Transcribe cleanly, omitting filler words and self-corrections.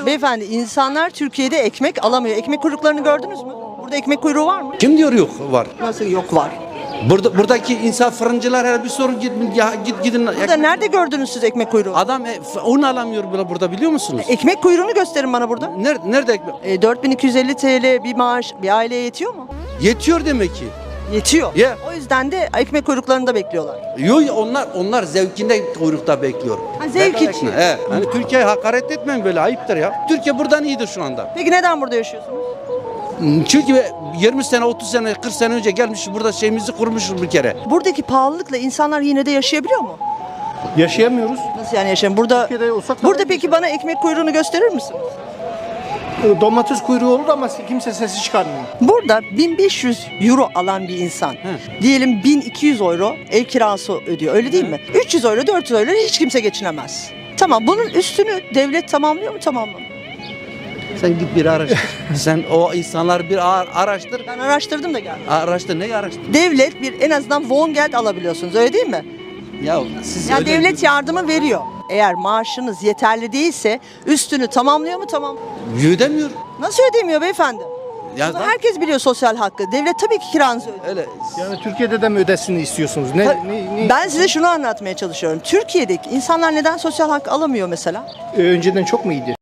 Beyefendi, insanlar Türkiye'de ekmek alamıyor. Ekmek kuyruklarını gördünüz mü? Burada ekmek kuyruğu var mı? Kim diyor yok var. Nasıl yok, var? Buradaki insan fırıncılar her bir sorun gidin. Burada nerede gördünüz siz ekmek kuyruğu? Adam un alamıyor burada biliyor musunuz? Ekmek kuyruğunu gösterin bana burada. Nerede ekmek? 4250 TL bir maaş bir aileye yetiyor mu? Yetiyor demek ki. Yetiyor. Yeah. O yüzden de ekmek kuyruklarında bekliyorlar. Yok onlar zevkinde kuyrukta bekliyor. Ha, zevk Bedava için. ekmek. He. Hani Türkiye'ye hakaret etmeyin böyle ayıptır ya. Türkiye buradan iyidir şu anda. Peki neden burada yaşıyorsunuz? Çünkü 20 sene, 30 sene, 40 sene önce gelmiş burada şeyimizi kurmuşuz bir kere. Buradaki pahalılıkla insanlar yine de yaşayabiliyor mu? Yaşayamıyoruz. Nasıl yani yaşayın? Burada Türkiye'de olsak burada daha peki bana ekmek kuyruğunu gösterir misiniz? Domates kuyruğu olur ama kimse sesi çıkarmıyor. Burada 1500 euro alan bir insan, diyelim 1200 euro ev kirası ödüyor, öyle değil mi? 300 euro, 400 euro hiç kimse geçinemez. Tamam, bunun üstünü devlet tamamlıyor mu, tamamlamıyor? Sen git bir araştır. Sen o insanlar bir araştır. Ben araştırdım da geldim. Araştır, neyi araştır? Devlet bir en azından Wohngeld alabiliyorsunuz, öyle değil mi? Ya siz Ya öyle- devlet yardımı veriyor. Eğer maaşınız yeterli değilse üstünü tamamlıyor mu, tamam? ödemiyor. Nasıl ödemiyor beyefendi? Ya Bunu da- herkes biliyor, sosyal hakkı. Devlet tabii ki kiranızı ödüyor. öyle. Yani Türkiye'de de mi ödesini istiyorsunuz? Ben size şunu anlatmaya çalışıyorum. Türkiye'deki insanlar neden sosyal hak alamıyor mesela? Önceden çok mu iyiydi?